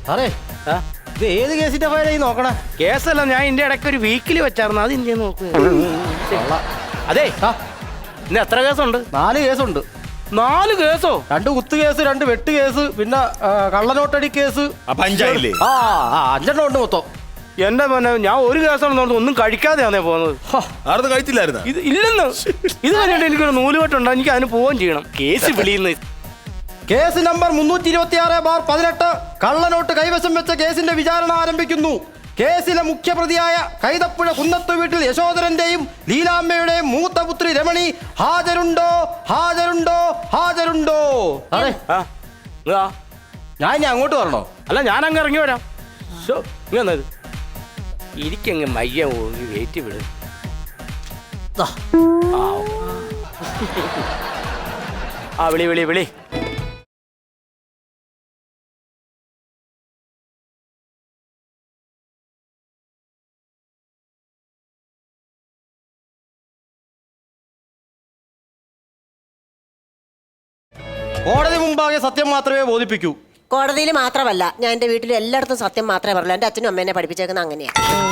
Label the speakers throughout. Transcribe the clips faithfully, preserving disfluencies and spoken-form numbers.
Speaker 1: സാറേ ഇത് ഏത് കേസിന്റെ ഫയലായി നോക്കണേ?
Speaker 2: കേസല്ല, ഞാൻ ഇതിന്റെ ഇടയ്ക്ക് ഒരു വീക്കിലി വെച്ചായിരുന്നു, അത് ഇന്ത്യ നോക്കുക. അതെ ഇന്ന് എത്ര കേസുണ്ട്?
Speaker 1: നാല് കേസുണ്ട്.
Speaker 2: നാല് കേസോ?
Speaker 1: രണ്ട് കുത്ത് കേസ്, രണ്ട് വെട്ട് കേസ്, പിന്നെ കള്ളനോട്ടടി കേസ്.
Speaker 3: പഞ്ചായത്തില്ലേ?
Speaker 1: ആ അഞ്ചെണ്ണം ഉണ്ട് മൊത്തം.
Speaker 2: എന്റെ മോനെ, ഞാൻ ഒരു കേസാണെന്ന് ഒന്നും കഴിക്കാതെയാണേ പോകുന്നത്.
Speaker 3: ആർന്ന് കഴിച്ചില്ലായിരുന്നു?
Speaker 2: ഇത് ഇല്ലെന്ന് ഇത് കഴിഞ്ഞിട്ട് എനിക്കൊരു നൂലുകെട്ടുണ്ട്, എനിക്ക് അതിന് പോവുകയും ചെയ്യണം. കേസ് വിളിയുന്ന
Speaker 1: കേസ് നമ്പർ മുന്നൂറ്റി ഇരുപത്തി ആറ് ബാർ പതിനെട്ട് കള്ളനോട്ട് കൈവശം വെച്ച കേസിന്റെ വിചാരണ ആരംഭിക്കുന്നു. കേസിലെ മുഖ്യപ്രതിയായ കൈതപ്പുഴ കുന്നത്തു വീട്ടിൽ യശോധരന്റെയും ലീലാമ്മയുടെയും മൂത്ത പുത്രി രമണി ഹാജരുണ്ടോ? ഹാജരുണ്ടോ? ഹാജരുണ്ടോ? അതെ, ഞാൻ ഇനി അങ്ങോട്ട് വരണോ?
Speaker 2: അല്ല, ഞാൻ അങ്ങ് ഇറങ്ങി വരാം. ഇങ്ങന്നത് ഇരിക്കങ്ങ് മയ്യ വെയിറ്റ് വിടും. ആ വിളി വിളി വിളി.
Speaker 1: കോടതി മുമ്പാകെ സത്യം മാത്രമേ ബോധിപ്പിക്കൂ.
Speaker 4: കോടതിയിൽ മാത്രമല്ല, ഞാൻ എൻ്റെ വീട്ടിൽ എല്ലായിടത്തും സത്യം മാത്രമേ പറയുള്ളൂ. എൻ്റെ അച്ഛനും അമ്മേനെ പഠിപ്പിച്ചേക്കുന്നത് അങ്ങനെയാണ്.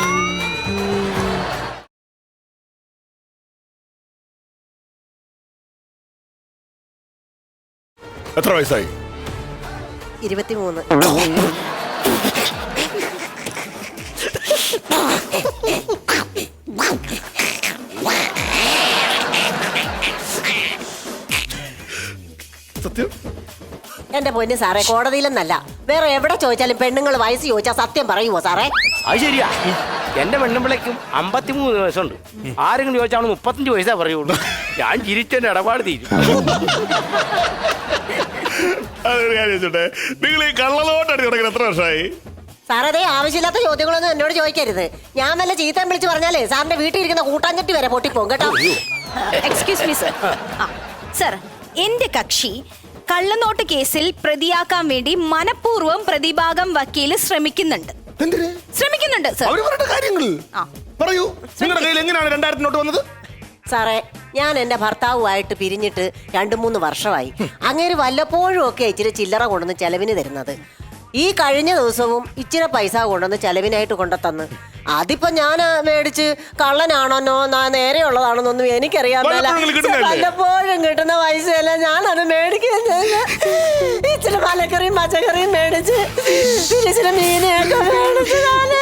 Speaker 3: എത്ര വയസ്സായി?
Speaker 4: ഇരുപത്തിമൂന്ന്.
Speaker 3: സത്യം?
Speaker 4: എന്റെ പൊന്ന് സാറേ, കോടതിയിലെന്നല്ല, വേറെ എവിടെ ചോദിച്ചാലും പെണ്ണുങ്ങൾ വയസ്സ് ചോദിച്ചാൽ സത്യം പറയുമോ സാറേ?
Speaker 2: അത് ശരിയാ. എന്റെ പെണ്ണുമ്പിളേക്കും അമ്പത്തിമൂന്ന് വയസ്സുണ്ട്. ആരെങ്കിലും ചോദിച്ചാൽ മുപ്പത്തഞ്ച് വയസ്സാ പറയുള്ളൂ. ഞാൻ ചിരിച്ചെന്റെ ഇടപാട് തീരും.
Speaker 3: അതൊരു കാര്യം ചോദിച്ചോട്ടെ, നിങ്ങൾ ഈ കള്ളനോട്ടടി തുടങ്ങി എത്ര വർഷമായി?
Speaker 4: സാറേ, അതേ ആവശ്യമില്ലാത്ത ചോദ്യങ്ങളൊന്നും എന്നോട് ചോദിക്കരുത്. ഞാൻ വല്ല ചീത്തം വിളിച്ച് പറഞ്ഞാലേ സാറിന്റെ വീട്ടിൽ ഇരിക്കുന്ന കൂട്ടാഞ്ചട്ടി വരെ പൊട്ടിപ്പോകും കേട്ടോ.
Speaker 5: Excuse me sir. സർ, എന്റെ കക്ഷി കള്ളനോട്ട് കേസിൽ പ്രതിയാക്കാൻ വേണ്ടി മനഃപൂർവ്വം പ്രതിഭാഗം വക്കീല് ശ്രമിക്കുന്നുണ്ട്. ശ്രമിക്കുന്നുണ്ട് സർ.
Speaker 3: പറയൂ, നിങ്ങളുടെ കയ്യിൽ എങ്ങനെയാണ് രണ്ടായിരത്തി നോട്ട് വന്നത്?
Speaker 4: സാറേ, ഞാൻ എൻ്റെ ഭർത്താവുമായിട്ട് പിരിഞ്ഞിട്ട് രണ്ടു മൂന്ന് വർഷമായി. അങ്ങേര് വല്ലപ്പോഴും ഒക്കെ ഇച്ചിരി ചില്ലറ കൊണ്ടുവന്ന് ചെലവിന് തരുന്നത്. ഈ കഴിഞ്ഞ ദിവസവും ഇച്ചിരി പൈസ കൊണ്ടുവന്ന് ചെലവിനായിട്ട് കൊണ്ടുത്തന്ന്. അതിപ്പോ ഞാൻ മേടിച്ച് കള്ളനാണോന്നോ നേരെയുള്ളതാണോന്നൊന്നും എനിക്കറിയാൻ മേല. വല്ലപ്പോഴും കിട്ടുന്ന പൈസയല്ല ഞാനത് മേടിക്കുന്നത്. ഇച്ചിരി മലക്കറിയും പച്ചക്കറിയും മേടിച്ച് ഇച്ചിരി മീനൊക്കെ മേടിച്ച്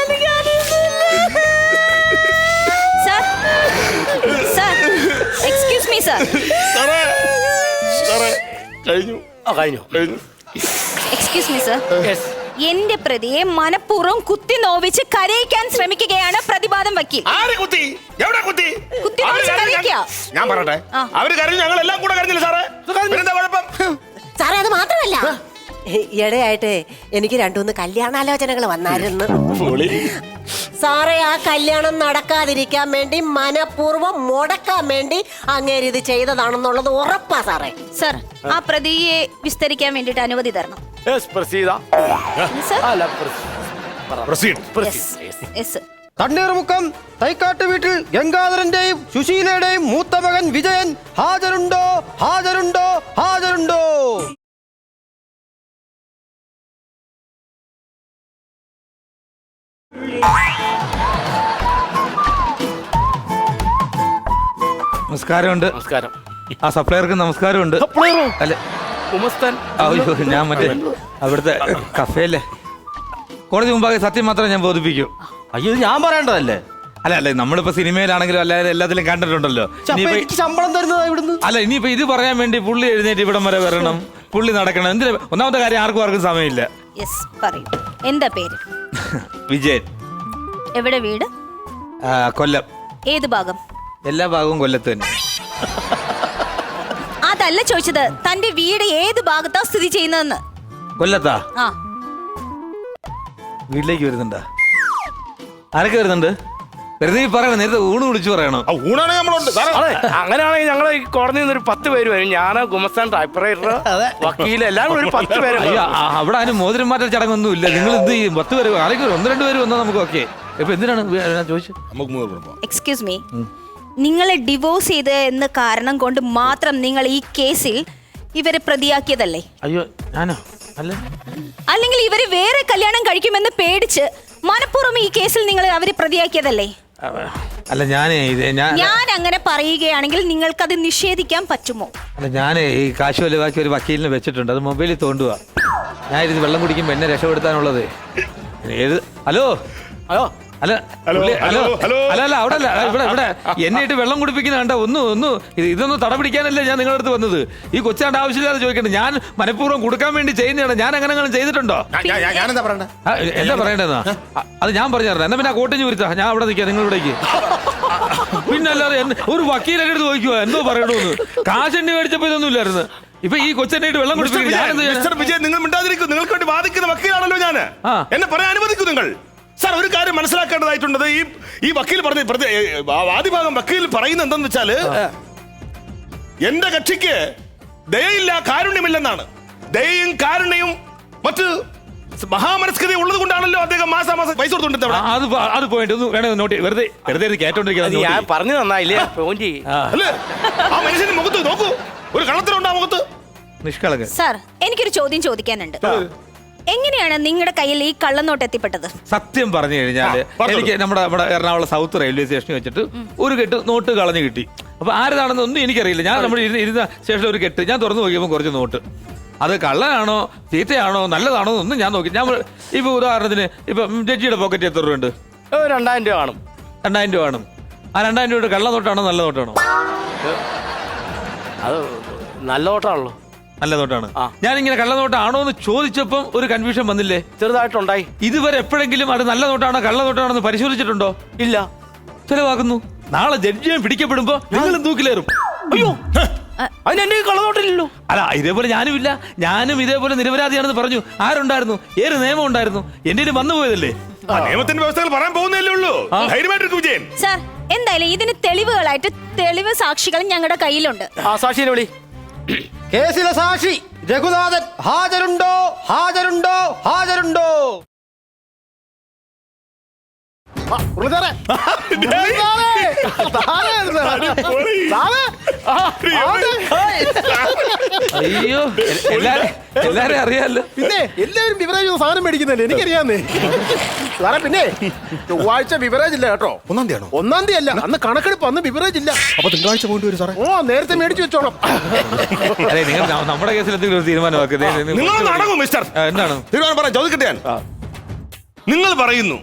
Speaker 5: എക്സ്ക്യൂസ് മീ സർ.
Speaker 3: കഴിഞ്ഞു
Speaker 2: കഴിഞ്ഞു
Speaker 3: കഴിഞ്ഞു
Speaker 5: എക്സ്ക്യൂസ് മീ സർ. എന്റെ പ്രതിയെ മനഃപൂർവ്വം കുത്തി നോവിച്ച് കരയിക്കാൻ ശ്രമിക്കുകയാണ് പ്രതിവാദം വക്കീൽ.
Speaker 3: കുത്തി എവിടെ കുത്തി?
Speaker 5: കുത്തി നോവിച്ച് കരയിക്കുക.
Speaker 3: ഞാൻ പറയട്ടെ, അവര് കരഞ്ഞു, ഞങ്ങൾ എല്ലാം കൂടെ കരഞ്ഞില്ല സാറേ. എന്താ കുഴപ്പം?
Speaker 4: സാറേ, അത് മാത്രമല്ല, ഈയിടെയായിട്ട് എനിക്ക് രണ്ടുമൂന്ന് കല്യാണാലോചനകൾ വന്നായിരുന്നു. സാറേ, ആ കല്യാണം നടക്കാതിരിക്കാൻ വേണ്ടി മനഃപൂർവ്വം മുടക്കാൻ വേണ്ടി അങ്ങേര് ഇത് ചെയ്തതാണെന്നുള്ളത് ഉറപ്പാ സാറേ.
Speaker 5: സർ, ആ പ്രതിയെ വിസ്തരിക്കാൻ വേണ്ടിട്ട് അനുമതി തരണം.
Speaker 1: തണ്ണീർമുക്കം തൈക്കാട്ട് വീട്ടിൽ ഗംഗാധരന്റെയും സുശീലയുടെയും മൂത്ത മകൻ വിജയൻ ഹാജരുണ്ടോ? ഹാജരുണ്ടോ? ഹാജരുണ്ടോ?
Speaker 6: നമസ്കാരമുണ്ട്.
Speaker 2: നമസ്കാരം.
Speaker 6: ആ സപ്ലയർക്ക് നമസ്കാരമുണ്ട്. അല്ലെ അയ്യോ, ഞാൻ മറ്റേ അവിടുത്തെ കഫേല്ലേ. കോടതി മുമ്പാകെ സത്യം മാത്രമേ ഞാൻ ബോധിപ്പിക്കൂ.
Speaker 1: അയ്യോ, ഞാൻ പറയേണ്ടതല്ലേ?
Speaker 6: അല്ല അല്ല നമ്മളിപ്പോ സിനിമയിലാണെങ്കിലും അല്ലാതെ എല്ലാത്തിലും കണ്ടിട്ടുണ്ടല്ലോ.
Speaker 1: ശമ്പളം തരുന്നത് ഇവിടുന്ന്.
Speaker 6: അല്ല, ഇനിയിപ്പോ ഇത് പറയാൻ വേണ്ടി പുള്ളി എഴുന്നേറ്റ് ഇവിടം വരെ വരണം, പുള്ളി നടക്കണം. എന്തിനാ? ഒന്നാമത്തെ കാര്യം, ആർക്കും ആർക്കും സമയമില്ല.
Speaker 5: എന്താ പേര്?
Speaker 6: വിജയൻ.
Speaker 5: എവിടെ വീട്?
Speaker 6: കൊല്ലം.
Speaker 5: ഏത് ഭാഗം?
Speaker 6: എല്ലാ ഭാഗവും കൊല്ലത്ത് തന്നെ.
Speaker 5: അതല്ല ചോദിച്ചത്, തന്റെ വീട് ഏത് ഭാഗത്താ സ്ഥിതി ചെയ്യുന്നതെന്ന്.
Speaker 6: കൊല്ലത്താ?
Speaker 5: ആ.
Speaker 6: വീട്ടിലേക്ക് വരുന്നുണ്ടാ? ആരൊക്കെ വരുന്നുണ്ട്? വെറുതെ പറയണം, നേരത്തെ ഊണ് വിളിച്ചു പറയണോ?
Speaker 2: അങ്ങനെയാണെങ്കിൽ ഞങ്ങൾ ഈ കോടതിയിൽ നിന്ന് ഒരു പത്ത് പേര് വരും. ഞാൻ ഗുമസ്താൻ, ടൈപ്പറൈറ്റർ, വക്കീൽ, എല്ലാം കൂടി ഒരു പത്ത് പേര്.
Speaker 6: അവിടെ അതിന് മോതിരം മാറ്റൽ ചടങ്ങൊന്നും ഇല്ല. നിങ്ങൾ എന്ത് ചെയ്യും? പത്ത് പേര് ആരെങ്കിലും ഒന്ന് രണ്ട് പേര് വന്നാൽ നമുക്ക് ഓക്കെ. ഇപ്പൊ എന്തിനാണ് ചോദിച്ചത്?
Speaker 5: എക്സ്ക്യൂസ് മീ, നിങ്ങളെ ഡിവോഴ്സ് ചെയ്ത് എന്ന കാരണം കൊണ്ട് മാത്രം നിങ്ങൾ ഈ കേസിൽ ഇവരെ പ്രതിയാക്കിയതല്ലേ?
Speaker 6: അയ്യോ, ഞാനോ?
Speaker 5: അല്ലെങ്കിൽ ഇവര് വേറെ കല്യാണം കഴിക്കുമെന്ന് പേടിച്ച് മനഃപൂർവ്വം ഈ കേസിൽ നിങ്ങൾ അവരെ പ്രതിയാക്കിയതല്ലേ?
Speaker 6: അല്ല ഞാനേ ഇത് ഞാൻ
Speaker 5: ഞാൻ അങ്ങനെ പറയുകയാണെങ്കിൽ നിങ്ങൾക്കത് നിഷേധിക്കാൻ പറ്റുമോ?
Speaker 6: അല്ല ഞാനേ ഈ കാശ് വലുതാക്കി ഒരു വക്കീലിനെ വെച്ചിട്ടുണ്ട്. അത് മൊബൈലിൽ തോണ്ടുക. ഞാൻ ഇത് വെള്ളം കുടിക്കുമ്പോൾ എന്നെ രക്ഷപ്പെടുത്താനുള്ളത്. ഏത് ഹലോ
Speaker 2: അയ്യോ
Speaker 6: അല്ല
Speaker 3: ഹലോ,
Speaker 6: പുള്ളി- ഹലോ
Speaker 3: ഹലോ, ഹലോ.
Speaker 6: അല്ല അല്ല അവിടെ അല്ല ഇവിടെ ഇവിടെ എന്നെ ഇട്ട് വെള്ളം കുടിപ്പിക്കുന്ന കണ്ട ഒന്ന് ഒന്ന് ഇത് ഇതൊന്നും തട പിടിക്കാനല്ലേ ഞാൻ നിങ്ങളുടെ അടുത്ത് വന്നത്. ഈ കൊച്ചാണ്ട് ആവശ്യമില്ലാതെ ചോദിക്കണ്ട. ഞാൻ മനഃപൂർവ്വം കൊടുക്കാൻ വേണ്ടി ചെയ്യുന്നതാണ്. ഞാൻ അങ്ങനെ അങ്ങനെ ചെയ്തിട്ടുണ്ടോ?
Speaker 1: ഞാനെന്താ പറയണ്ട?
Speaker 6: ആ, എന്താ പറയണ്ടെന്നാ അത് ഞാൻ പറഞ്ഞു തരണം. എന്നാ പിന്നെ ആ കോട്ടഞ്ഞു വരുത്താ ഞാൻ അവിടെ നിൽക്കാം നിങ്ങളിവിടേക്ക്. പിന്നെ അല്ലാതെ എന്നെ- ഒരു വക്കീലെ അടുത്ത് ചോദിക്കുവാ എന്തോ പറയണമെന്ന്. കാശ് എണ്ണി മേടിച്ചപ്പോ ഇതൊന്നും ഇല്ലായിരുന്നു. ഇപ്പൊ ഈ കൊച്ചെന്നെ ഇട്ട് വെള്ളം
Speaker 3: മിസ്റ്റർ
Speaker 6: കുടിപ്പിക്കും.
Speaker 3: വിജയൻ,
Speaker 6: ഞാനെന്ത് ചെയ്യാനാ?
Speaker 3: മിസ്റ്റർ വിജയൻ, നിങ്ങൾ മിണ്ടാതിരിക്കും. നിങ്ങൾക്ക് വേണ്ടി വാദിക്കുന്ന വക്കീലാണല്ലോ ഞാൻ.
Speaker 6: ആ.
Speaker 3: എന്നെ പറയാൻ അനുവദിക്കൂ നിങ്ങൾ. സാർ, ഒരു കാര്യം മനസ്സിലാക്കേണ്ടതായിട്ടുള്ളത്, ഈ ഈ വക്കീൽ പറഞ്ഞ പ്രതി- ഏ, ആ വാദിഭാഗം വക്കീൽ പറയുന്നത് എന്താന്ന് വെച്ചാല് എന്റെ കക്ഷിക്ക് ദയയില്ല, കാരുണ്യമില്ലെന്നാണ്. ദയയും കാരുണ്യവും മറ്റ് മഹാമനസ്കതയും ഉള്ളത് കൊണ്ടാണല്ലോ അദ്ദേഹം മാസാമാസം പൈസ കൊടുത്തോണ്ട്
Speaker 6: ആ, അത് പോ- അത് പോയിട്ട് ഒന്ന് വേണേ നോട്ടി വെറുതെ വെറുതെ ഇത് കേട്ടോണ്ടിരിക്കുന്നത്
Speaker 2: ഞാൻ
Speaker 6: നോട്ടി.
Speaker 2: പറഞ്ഞു തന്നായില്ലേ ഫോൺ ചെയ്യ്.
Speaker 3: അല്ലേ? ആ മനുഷ്യന്റെ മുഖത്ത് നോക്കൂ, ഒരു കള്ളത്തരം ആ മുഖത്ത്.
Speaker 6: നിഷ്കളങ്കൻ.
Speaker 5: സാർ, എനിക്കൊരു ചോദ്യം ചോദിക്കാനുണ്ട്. എങ്ങനെയാണ് നിങ്ങളുടെ കയ്യിൽ ഈ കള്ളനോട്ട് എത്തിപ്പെട്ടത്?
Speaker 6: സത്യം പറഞ്ഞു കഴിഞ്ഞാല്
Speaker 3: ആ, പറഞ്ഞോളൂ.
Speaker 6: എനിക്ക് നമ്മുടെ നമ്മുടെ എറണാകുളം സൗത്ത് റെയിൽവേ സ്റ്റേഷനിൽ വെച്ചിട്ട് ഒരു കെട്ട് നോട്ട് കളഞ്ഞു കിട്ടി. അപ്പൊ ആരതാണെന്ന് ഒന്നും എനിക്കറിയില്ല. ഞാൻ നമ്മുടെ ഇരുന്ന ഇരുന്ന സ്റ്റേഷനിൽ ഒരു കെട്ട് ഞാൻ തുറന്നു നോക്കിയപ്പോൾ കുറച്ച് നോട്ട്. അത് കള്ളനാണോ തീറ്റയാണോ നല്ലതാണോ എന്നൊന്നും ഞാൻ നോക്കി. ഞാൻ ഇപ്പൊ ഉദാഹരണത്തിന് ഇപ്പൊ ജഡ്ജിയുടെ പോക്കറ്റ് എത്ര രൂപ ഉണ്ട്?
Speaker 2: ഏ, രണ്ടായിരം രൂപ കാണും.
Speaker 6: രണ്ടായിരം രൂപ കാണും. ആ രണ്ടായിരം രൂപയുടെ കള്ള നോട്ടാണോ നല്ല നോട്ടാണോ?
Speaker 2: അത് നല്ല ഓട്ടമാണല്ലോ.
Speaker 6: നല്ല നോട്ടാണ്.
Speaker 2: ആ.
Speaker 6: ഞാനിങ്ങനെ കള്ള നോട്ടാണോ എന്ന് ചോദിച്ചപ്പം ഒരു കൺഫ്യൂഷൻ വന്നില്ലേ?
Speaker 2: ചെറുതായിട്ടുണ്ടായി.
Speaker 6: ഇതുവരെ എപ്പോഴെങ്കിലും അത് നല്ല നോട്ടാണോ കള്ള നോട്ടാണോ എന്ന് പരിശോധിച്ചിട്ടുണ്ടോ?
Speaker 2: ഇല്ല.
Speaker 6: ചെലവാക്കുന്നു. നാളെ ജഡ്ജിയെ പിടിക്കപ്പെടുമ്പോ നിങ്ങളും തൂക്കിലേറും.
Speaker 2: അയ്യോ, അതിന് എന്റെ കളനോട്ടില്ലല്ലോ.
Speaker 6: അല്ല ഇതേപോലെ ഞാനും ഇല്ല. ഞാനും ഇതേപോലെ നിരപരാധിയാണെന്ന് പറഞ്ഞു. ആരുണ്ടായിരുന്നു? ഏത് നിയമം ഉണ്ടായിരുന്നു? എന്റെ വന്നു പോയതല്ലേ?
Speaker 3: ആ നിയമത്തിന്റെ വ്യവസ്ഥകൾ പറയാൻ പോകുന്നല്ലേ ഉള്ളൂ. ധൈര്യമായിട്ടിരിക്കും വിജയൻ.
Speaker 5: സാർ, എന്തായാലും ഇതിന് തെളിവുകളായിട്ട് തെളിവ് സാക്ഷികൾ ഞങ്ങളുടെ കയ്യിലുണ്ട്.
Speaker 2: ആ സാക്ഷിനെ വിളി.
Speaker 1: കേസിലെ സാക്ഷി രഘുനാഥൻ ഹാജരുണ്ടോ? ഹാജരുണ്ടോ? ഹാജരുണ്ടോ?
Speaker 6: അയ്യോ എല്ലാരും എല്ലാരും അറിയാലോ.
Speaker 7: പിന്നെ എല്ലാവരും ബിവറേജ് സാധനം മേടിക്കുന്നല്ലേ, എനിക്കറിയാന്നേ സാറേ. പിന്നെ ചൊവ്വാഴ്ച ബിവറേജ് ഇല്ല കേട്ടോ.
Speaker 1: ഒന്നാം തീയതി ആണോ?
Speaker 7: ഒന്നാം തീയതി അല്ല, അന്ന് കണക്കെടുപ്പ്, അന്ന് ബിവറേജ് ഇല്ല.
Speaker 1: അപ്പൊ തിങ്കളാഴ്ച പോയിട്ട് വരും സാറേ.
Speaker 7: ഓ, നേരത്തെ മേടിച്ചു വെച്ചോണം.
Speaker 6: അതെ നിങ്ങൾ ന- നമ്മുടെ കേസിൽ എന്തെങ്കിലും ഒരു തീരുമാനമാക്കുന്നത്
Speaker 3: നിങ്ങൾ നടക്കും മിസ്റ്റർ.
Speaker 6: എന്താണ്
Speaker 3: തീരുമാനം പറയാം. ചോദിക്കട്ടെ ഞാൻ. നിങ്ങൾ പറയുന്നു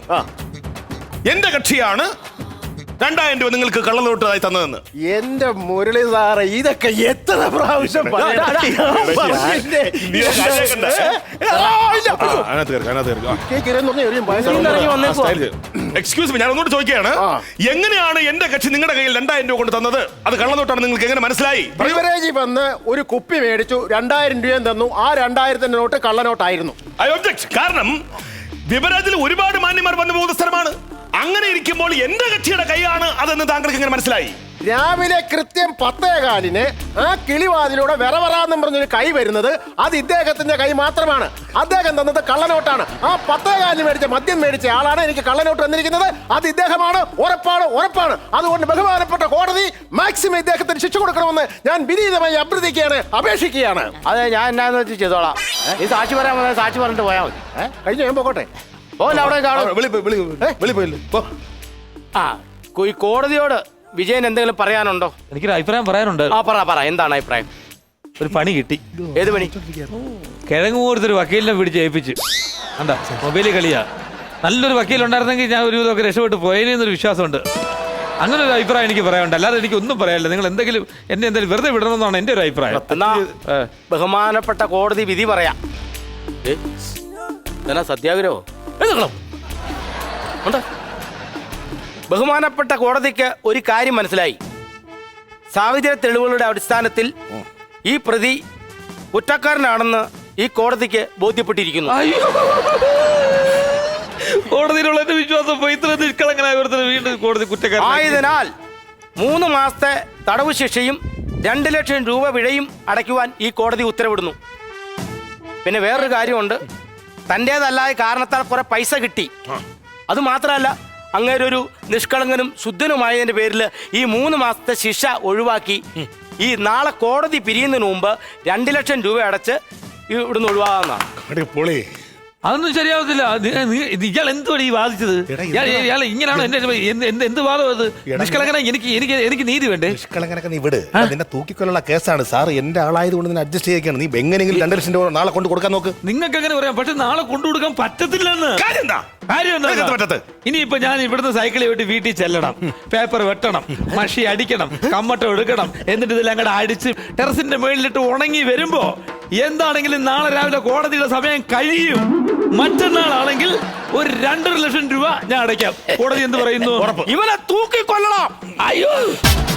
Speaker 3: എന്റെ കക്ഷിയാണ് രണ്ടായിരം രൂപ നിങ്ങൾക്ക് കള്ളനോട്ടായി തന്നതെന്ന്.
Speaker 7: എന്റെ മുരളി സാറേ, ഇതൊക്കെ എത്ര പ്രാവശ്യം പറയണം. പറഞ്ഞില്ലേ?
Speaker 3: നീ ഒരു കാര്യം കണ്ടോ?
Speaker 7: ആ, ഇല്ല.
Speaker 3: ആ, അതിനകത്ത് കയറി, അതിനകത്ത് കയറി. ആ.
Speaker 7: കേക്ക് ഇരന്ന് പറഞ്ഞാ എറിയും, ഭയങ്കര
Speaker 2: ഇറങ്ങി വന്നേക്കുവാ.
Speaker 3: എക്സ്ക്യൂസ് മീ, ഞാൻ ഒന്നുകൂടെ ചോദിക്കുകയാണ്.
Speaker 7: ആ.
Speaker 3: എങ്ങനെയാണ് എന്റെ കക്ഷി നിങ്ങളുടെ കയ്യിൽ രണ്ടായിരം രൂപ കൊണ്ട് തന്നത്? അത് കള്ളനോട്ടാണ് നിങ്ങൾക്ക് എങ്ങനെ മനസ്സിലായി? പറയൂ.
Speaker 7: ബിവറേജിൽ വന്ന് ഒരു കുപ്പി മേടിച്ചു, രണ്ടായിരം രൂപയും തന്നു. ആ രണ്ടായിരത്തിന്റെ നോട്ട് കള്ളനോട്ടായിരുന്നു.
Speaker 3: I object. കാരണം വിവരാജിൽ ഒരുപാട് മാന്യന്മാർ വന്നു പോകുന്ന സ്ഥലമാണ്. അങ്ങനെ ഇരിക്കുമ്പോൾ എന്റെ കക്ഷിയുടെ കൈയാണ് അതെന്ന് താങ്കൾക്ക് എങ്ങനെ മനസ്സിലായി?
Speaker 7: രാവിലെ കൃത്യം പത്തേകാലിന് ആ കിളിവാതിലൂടെ വിറവറാന്നും പറഞ്ഞൊരു കൈ വരുന്നത് അത് ഇദ്ദേഹത്തിന്റെ കൈ മാത്രമാണ്. അദ്ദേഹം തന്നത് കള്ളനോട്ടാണ്. ആ പത്തേകാലിന് മേടിച്ച മദ്യം മേടിച്ച ആളാണ് എനിക്ക് കള്ളനോട്ട് തന്നിരിക്കുന്നത്. അത് ഇദ്ദേഹമാണ്. ഉറപ്പാണ്, ഉറപ്പാണ്. അതുകൊണ്ട് ബഹുമാനപ്പെട്ട കോടതി മാക്സിമം ഇദ്ദേഹത്തിന് ശിക്ഷ കൊടുക്കണമെന്ന് ഞാൻ വിനീതമായി അഭ്യർത്ഥിക്കുകയാണ്, അപേക്ഷിക്കുകയാണ്.
Speaker 2: അതെ, ഞാൻ എന്നാന്ന് വെച്ച് ചെയ്തോളാം. ഈ സാക്ഷി പറയാൻ വന്നാൽ സാക്ഷി പറഞ്ഞിട്ട് പോയാൽ മതി.
Speaker 7: ഏ? കഴിഞ്ഞു, ഞാൻ പോകട്ടെ.
Speaker 2: ഓല്ല അവിടെ കാണും.
Speaker 3: വിളി പോയി, വിളി പോയി. വിളി പോയില്ലേ? പോ.
Speaker 2: ആ കു- ഈ കോടതിയോട് വിജയൻ എന്തെങ്കിലും പറയാനുണ്ടോ?
Speaker 6: എനിക്കൊരു അഭിപ്രായം പറയാനുണ്ട്.
Speaker 2: ആ പറ പറ എന്താണ് അഭിപ്രായം?
Speaker 6: ഒരു പണി കിട്ടി.
Speaker 2: ഏത് പണി?
Speaker 6: കിഴങ്ങ് പോലത്തൊരു വക്കീലിനെ പിടിച്ച് ഏൽപ്പിച്ച് എന്താ മൊബൈലിൽ കളിയാ. നല്ലൊരു വക്കീൽ ഉണ്ടായിരുന്നെങ്കിൽ ഞാൻ ഒരു ഇതൊക്കെ രക്ഷപ്പെട്ട് പോയേനെന്നൊരു വിശ്വാസമുണ്ട്. അങ്ങനെ ഒരു അഭിപ്രായം എനിക്ക് പറയാനുണ്ട്. അല്ലാതെ എനിക്ക് ഒന്നും പറയാനില്ല. നിങ്ങൾ എന്തെങ്കിലും എന്നെ എന്തെങ്കിലും വെറുതെ വിടണമെന്നാണ് എൻ്റെ ഒരു അഭിപ്രായം.
Speaker 2: എന്നാ
Speaker 6: ഏ.
Speaker 2: ബഹുമാനപ്പെട്ട കോടതി വിധി പറയാം. ഏ? ഇതെന്നാ സത്യാഗ്രഹോ? എഴുന്നേൽക്കണം. ഉണ്ട്. ബഹുമാനപ്പെട്ട കോടതിക്ക് ഒരു കാര്യം മനസ്സിലായി. സാഹചര്യ തെളിവുകളുടെ അടിസ്ഥാനത്തിൽ ഈ പ്രതി കുറ്റക്കാരനാണെന്ന് ഈ കോടതിക്ക് ബോധ്യപ്പെട്ടിരിക്കുന്നു.
Speaker 6: അയ്യോ. കോടതിയിലുള്ള എന്റെ വിശ്വാസം പോയി. ഇത്ര നിഷ്കളങ്കനായ ഒരുത്തനെ വീണ്ടും കോടതി കുറ്റക്കാരൻ.
Speaker 2: ആയതിനാൽ മൂന്ന് മാസത്തെ തടവ് ശിക്ഷയും രണ്ട് ലക്ഷം രൂപ പിഴയും അടയ്ക്കുവാൻ ഈ കോടതി ഉത്തരവിടുന്നു. പിന്നെ വേറൊരു കാര്യമുണ്ട്. തൻ്റേതല്ലായ കാരണത്താൽ കുറെ പൈസ കിട്ടി. അത് മാത്രമല്ല, അങ്ങേരൊരു നിഷ്കളങ്കനും ശുദ്ധനുമായതിന്റെ പേരിൽ ഈ മൂന്ന് മാസത്തെ ശിക്ഷ ഒഴിവാക്കി ഈ നാളെ കോടതി പിരിയുന്നതിന് മുമ്പ് രണ്ട് ലക്ഷം രൂപ അടച്ച് ഇവിടുന്ന് ഒഴിവാകാന്നാണ്.
Speaker 3: അടി പൊളി.
Speaker 6: അതൊന്നും ശരിയാവത്തില്ല. നി- നി- ഇത് ഇയാൾ എന്തുവാണ് ഈ വാദിച്ചത്?
Speaker 3: എടാ,
Speaker 6: ഇയാൾ ഇയാൾ ഇങ്ങനെയാണോ എന്റെ എന്ത് എന്ത് എന്ത് വാദം അത്? നിഷ്കളങ്കന എനിക്ക് എനിക്ക് എനിക്ക് നീതി വേണ്ടേ?
Speaker 3: നിഷ്കളങ്കനൊക്കെ നീ വിട്. നിന്നെ തൂക്കിക്കൊല്ലുള്ള കേസാണ് സാർ. എന്റെ ആളായത് കൊണ്ട് നിന്നെ അഡ്ജസ്റ്റ് ചെയ്യൊക്കെയാണ്. നീ എങ്ങനെയെങ്കിലും രണ്ട് ലക്ഷം രൂപ നാളെ കൊണ്ട് കൊടുക്കാൻ നോക്ക്.
Speaker 6: നിങ്ങൾക്ക് അങ്ങനെ പറയാം, പക്ഷെ നാളെ കൊണ്ടുകൊടുക്കാൻ പറ്റത്തില്ലെന്ന്.
Speaker 3: കാര്യം എന്താ?
Speaker 6: കാര്യം എന്താ?
Speaker 3: എന്താ പറ്റത്ത്?
Speaker 6: ഇനിയിപ്പോ ഞാൻ ഇവിടുന്ന് സൈക്കിളിൽ വിട്ട് വീട്ടിൽ ചെല്ലണം, പേപ്പർ വെട്ടണം, മഷി അടിക്കണം, കമ്മട്ടം എടുക്കണം, എന്നിട്ട് ഇതെല്ലാം കൂടെ അടിച്ച് ടെറസിന്റെ മുകളിലിട്ട് ഉണങ്ങി വരുമ്പോ എന്താണെങ്കിലും നാളെ രാവിലെ കോടതിയുടെ സമയം കഴിയും. മറ്റന്നാളാണെങ്കിൽ ഒരു രണ്ടര ലക്ഷം രൂപ ഞാൻ അടയ്ക്കാം. കോടതി എന്ത് പറയുന്നു?
Speaker 2: ഇവനെ തൂക്കിക്കൊല്ലണം.
Speaker 6: അയ്യോ